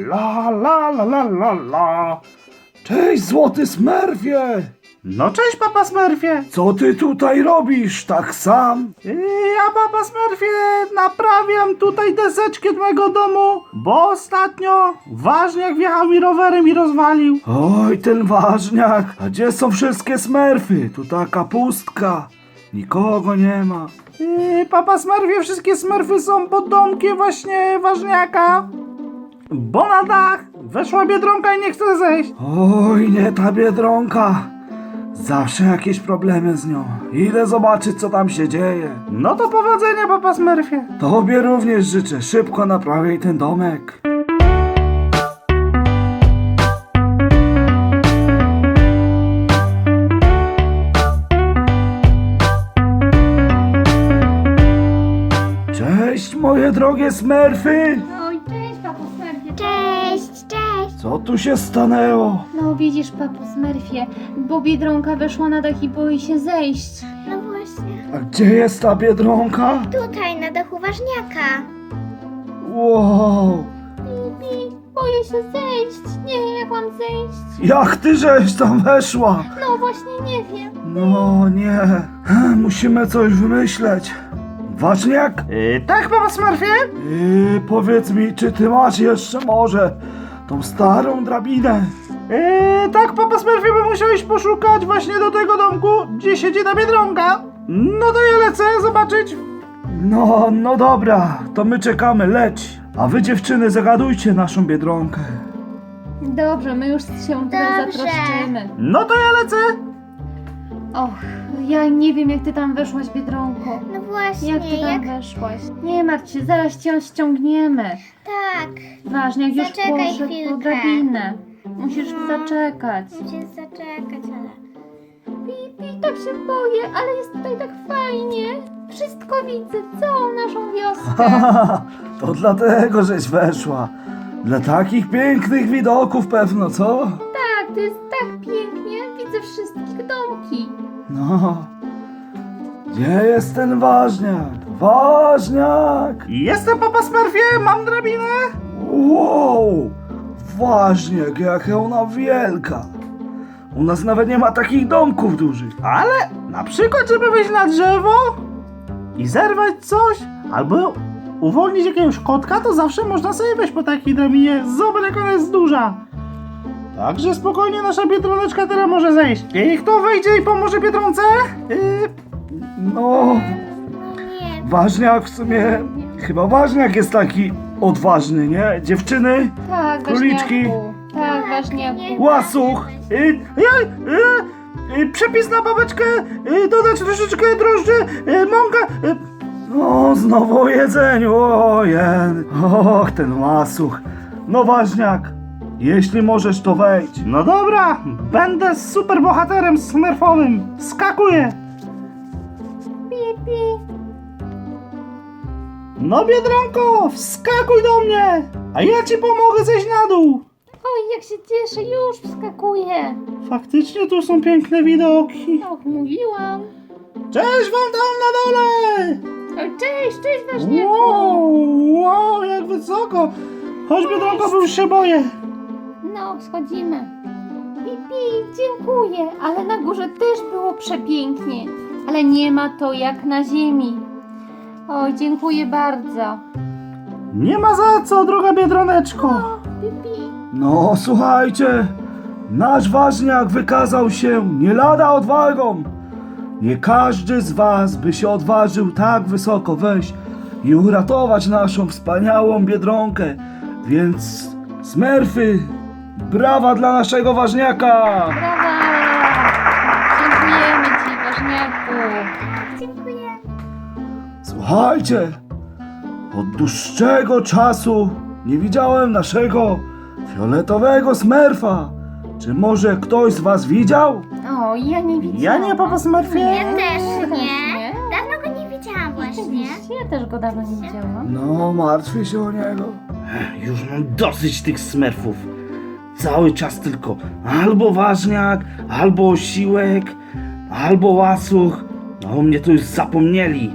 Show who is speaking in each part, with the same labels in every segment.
Speaker 1: La la la la la la. Cześć, złoty Smurfie!
Speaker 2: No cześć, papa Smurfie!
Speaker 1: Co ty tutaj robisz tak sam?
Speaker 2: Ja, papa Smurfie, naprawiam tutaj deseczki od mojego domu, bo ostatnio ważniak wjechał mi rowerem i rozwalił.
Speaker 1: Oj, ten ważniak! A gdzie są wszystkie Smurfy? Tu taka pustka. Nikogo nie ma.
Speaker 2: Papa Smurfie, wszystkie Smurfy są pod domkiem właśnie ważniaka, bo na dach weszła Biedronka i nie chce zejść.
Speaker 1: Oj, nie ta Biedronka. Zawsze jakieś problemy z nią. Idę zobaczyć, co tam się dzieje.
Speaker 2: No to powodzenia, papa Smurfie.
Speaker 1: Tobie również życzę. Szybko naprawiaj ten domek. Cześć, moje drogie Smurfy!
Speaker 3: Oj, cześć, papo Smurfie. Cześć.
Speaker 1: Co tu się stanęło?
Speaker 3: No widzisz, papo Smurfie, bo Biedronka weszła na dach i boi się zejść.
Speaker 4: No właśnie.
Speaker 1: A gdzie jest ta Biedronka?
Speaker 4: Tutaj, na dachu ważniaka.
Speaker 1: Wow!
Speaker 3: Bibi, boję się zejść. Nie wiem, jak mam zejść.
Speaker 1: Jak ty żeś tam weszła?
Speaker 3: No właśnie, nie wiem.
Speaker 1: No nie. Musimy coś wymyśleć. Ważniak?
Speaker 2: Tak, papa Smurfie?
Speaker 1: Powiedz mi, czy ty masz jeszcze może tą starą drabinę?
Speaker 2: Tak, papa Smurfie, bo musiał iść poszukać właśnie do tego domku, gdzie siedzi ta Biedronka. No to ja lecę zobaczyć.
Speaker 1: No dobra, to my czekamy, leć. A wy dziewczyny zagadujcie naszą Biedronkę.
Speaker 3: Dobrze, my już się tutaj
Speaker 4: Dobrze.
Speaker 3: zatroszczymy.
Speaker 2: No to ja lecę.
Speaker 3: Och, ja nie wiem, jak ty tam weszłaś, Biedronko.
Speaker 4: No właśnie,
Speaker 3: Jak ty tam weszłaś? Nie martw się, zaraz cię ściągniemy.
Speaker 4: Tak,
Speaker 3: Ważnie, jak już
Speaker 4: Zaczekaj
Speaker 3: poszedł po
Speaker 4: chwilkę.
Speaker 3: drabinę. Musisz zaczekać.
Speaker 4: musisz zaczekać, ale...
Speaker 3: Pipi, tak się boję, ale jest tutaj tak fajnie. Wszystko widzę, całą naszą wioskę.
Speaker 1: To dlatego, żeś weszła. Dla takich pięknych widoków pewno, co?
Speaker 3: Tak, to jest tak pięknie. Widzę wszystkich domki.
Speaker 1: No. Gdzie jest ten ważniak? Ważniak!
Speaker 2: Jestem, papa Smurfie, mam drabinę.
Speaker 1: Wow! Ważniak, jaka ona wielka! U nas nawet nie ma takich domków dużych.
Speaker 2: Ale na przykład, żeby wejść na drzewo i zerwać coś, albo uwolnić jakiegoś kotka, to zawsze można sobie wejść po takiej drabinie. Zobacz, jak ona jest duża. Także spokojnie nasza Biedroneczka teraz może zejść. I kto wejdzie i pomoże Biedronce?
Speaker 1: No,
Speaker 4: No nie,
Speaker 1: ważniak w sumie... Chyba ważniak jest taki odważny, nie? Dziewczyny,
Speaker 3: Tak,
Speaker 1: Króliczki.
Speaker 3: ważniaku. Tak, ważniaku.
Speaker 1: łasuch!
Speaker 2: Przepis na babeczkę, dodać troszeczkę drożdży, mąka.
Speaker 1: No, znowu o jedzeniu, ojej. Och, ten łasuch. No ważniak, jeśli możesz, to wejdź.
Speaker 2: No dobra, będę super bohaterem smurfowym. Skakuję.
Speaker 3: Pipi.
Speaker 2: No Biedronko, wskakuj do mnie, a ja ci pomogę zejść na dół.
Speaker 3: Oj, jak się cieszę, już wskakuję.
Speaker 2: Faktycznie tu są piękne widoki.
Speaker 3: Och, mówiłam.
Speaker 2: Cześć wam tam na dole.
Speaker 3: Oj, cześć, ważniaku.
Speaker 2: Wow, jak wysoko. Chodź Biedronko, bo już się boję.
Speaker 3: No, schodzimy. Pipi, dziękuję, ale na górze też było przepięknie. Ale nie ma to jak na ziemi. Oj, dziękuję bardzo.
Speaker 2: Nie ma za co, droga Biedroneczko.
Speaker 3: Pipi.
Speaker 1: No, słuchajcie, nasz ważniak wykazał się nie lada odwagą. Nie każdy z was by się odważył tak wysoko wejść i uratować naszą wspaniałą Biedronkę. Więc Smurfy, brawa dla naszego ważniaka!
Speaker 3: Brawa! Dziękujemy ci, ważniaku.
Speaker 4: dziękuję.
Speaker 1: Słuchajcie, od dłuższego czasu nie widziałem naszego fioletowego Smurfa. Czy może ktoś z was widział?
Speaker 3: O, ja nie widziałam.
Speaker 2: Ja nie, papa Smurfie.
Speaker 4: Ja też
Speaker 3: też
Speaker 4: nie.
Speaker 3: nie.
Speaker 4: Dawno go nie widziałam właśnie.
Speaker 3: Oczywiście, ja też go dawno nie widziałam.
Speaker 1: No, martwię się o niego.
Speaker 2: Już mam dosyć tych smurfów. Cały czas tylko albo ważniak, albo osiłek, albo łasuch. No mnie to już zapomnieli.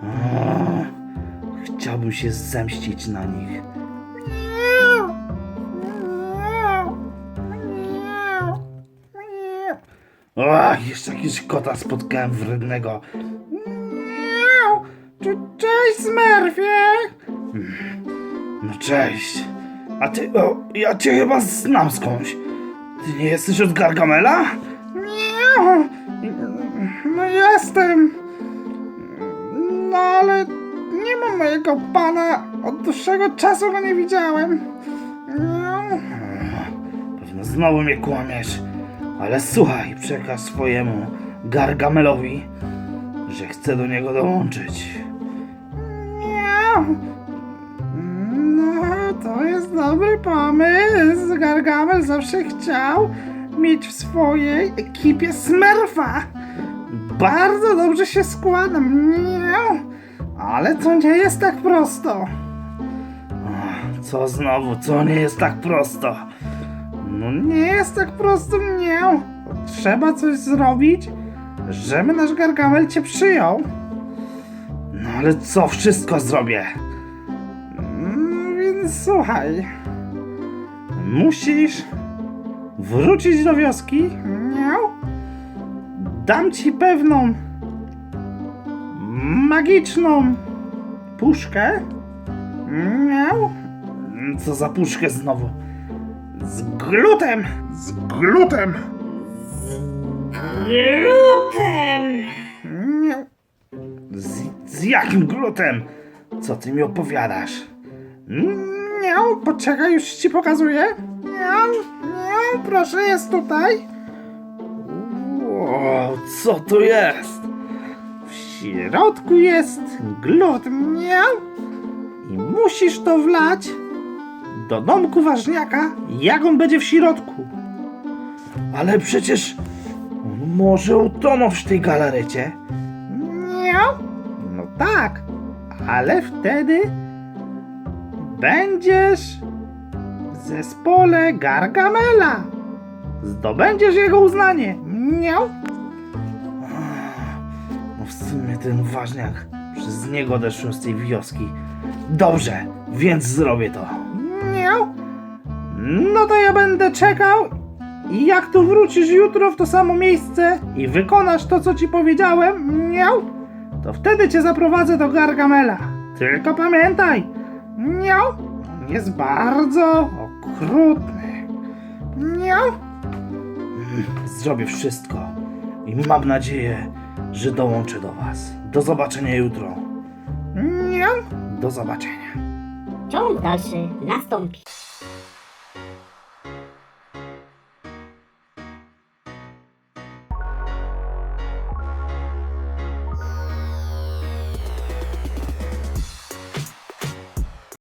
Speaker 2: Chciałbym się zemścić na nich.
Speaker 1: Ach, jeszcze jakiegoś kota spotkałem wrednego.
Speaker 2: Miau! Cześć, Smurfie!
Speaker 1: No cześć. A ty, ja cię chyba znam skądś. Ty nie jesteś od Gargamela?
Speaker 2: Miau! No jestem. No ale nie ma mojego pana. Od dłuższego czasu go nie widziałem. Miau.
Speaker 1: Pewno znowu mnie kłamiesz. Ale słuchaj, przekaż swojemu Gargamelowi, że chcę do niego dołączyć.
Speaker 2: Miau. No, to jest dobry pomysł. Gargamel zawsze chciał mieć w swojej ekipie Smurfa. Bardzo dobrze się składa. Miau. Ale to nie jest tak prosto.
Speaker 1: Co znowu? Co nie jest tak prosto?
Speaker 2: No nie jest tak prosto, miau. Trzeba coś zrobić, żeby nasz Gargamel cię przyjął.
Speaker 1: No ale co wszystko zrobię?
Speaker 2: Więc słuchaj. Musisz wrócić do wioski. Miau. Dam ci pewną magiczną puszkę. Miau.
Speaker 1: Co za puszkę znowu? Z glutem!
Speaker 2: Z glutem. Miau.
Speaker 1: Z jakim glutem? Co ty mi opowiadasz?
Speaker 2: Miau, poczekaj, już ci pokazuję. Miau, miau, proszę, jest tutaj.
Speaker 1: Wow, co to jest?
Speaker 2: W środku jest glut, miau. I musisz to wlać do domku ważniaka, jak on będzie w środku.
Speaker 1: Ale przecież on może utonąć w tej galarecie.
Speaker 2: Miau. No tak, ale wtedy będziesz w zespole Gargamela. Zdobędziesz jego uznanie. Miau.
Speaker 1: No w sumie ten ważniak, przez niego odeszłem z tej wioski. Dobrze, więc zrobię to.
Speaker 2: Miau. No to ja będę czekał i jak tu wrócisz jutro w to samo miejsce i wykonasz to, co ci powiedziałem, miau, to wtedy cię zaprowadzę do Gargamela. Tylko pamiętaj, miau, on jest bardzo okrutny. Miau.
Speaker 1: Zrobię wszystko i mam nadzieję, że dołączę do was. Do zobaczenia jutro.
Speaker 2: Miau.
Speaker 1: Do zobaczenia.
Speaker 5: Ciąg dalszy nastąpi.